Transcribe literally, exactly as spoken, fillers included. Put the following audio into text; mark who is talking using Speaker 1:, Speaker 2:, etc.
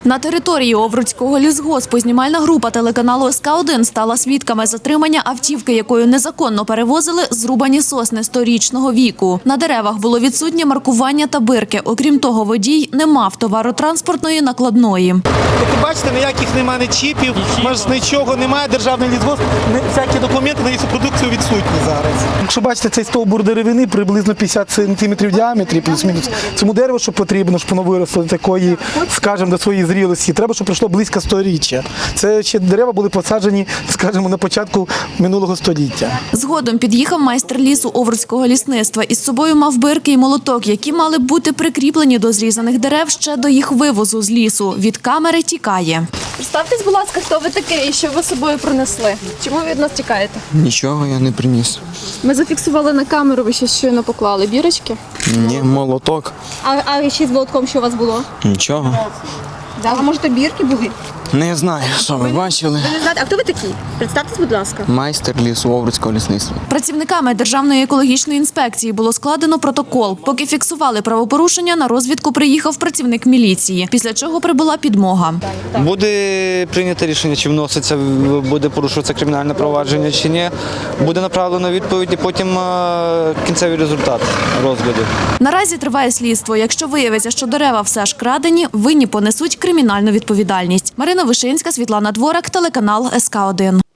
Speaker 1: На території Овруцького лісгоспу знімальна група телеканалу ес ка один стала свідками затримання автівки, якою незаконно перевозили зрубані сосни сторічного віку. На деревах було відсутнє маркування та бирки. Окрім того, водій не мав товаротранспортної накладної.
Speaker 2: Як ви бачите, ніяких немає чіпів, маш нічого немає, державний лісгосп, всякі документи на лісопродукцію відсутні зараз. Якщо бачите, цей стовбур деревини приблизно п'ятдесят сантиметрів в діаметрі, плюс-мінус. Цьому дереву, що потрібно, щоб воно виросло до такої, скажімо, до своєї зрілості, треба, щоб пройшло близько сторіччя. Це ще дерева були посаджені, скажімо, на початку минулого століття.
Speaker 1: Згодом під'їхав майстер лісу Овруцького лісництва. Із собою мав бирки і молоток, які мали бути прикріплені до зрізаних дерев ще до їх вивозу з лісу. Від камери тікає.
Speaker 3: Представтесь, будь ласка, хто ви такий і що ви з собою принесли? Чому ви від нас тікаєте?
Speaker 4: Нічого я не приніс.
Speaker 3: Ми зафіксували на камеру, ви ще щойно поклали бірочки.
Speaker 4: Ні, молоток.
Speaker 3: А, а ще з молотком що у вас було?
Speaker 4: Нічого.
Speaker 3: Да, а може то бірки були?
Speaker 4: Не знаю, що ви бачили.
Speaker 3: Ви не знаєте, а хто ви такий? Представтесь, будь ласка.
Speaker 4: Майстер лісу Овруцького лісництва.
Speaker 1: Працівниками Державної екологічної інспекції було складено протокол. Поки фіксували правопорушення, на розвідку приїхав працівник міліції, після чого прибула підмога.
Speaker 5: Буде прийнято рішення, чи вноситься, буде порушуватися кримінальне провадження, чи ні. Буде направлено відповідь і потім е, кінцевий результат розгляду.
Speaker 1: Наразі триває слідство. Якщо виявиться, що дерева все ж крадені, винні понесуть кримінальну відповідальність. Марина Вишинська, Світлана Дворак, телеканал ес ка один.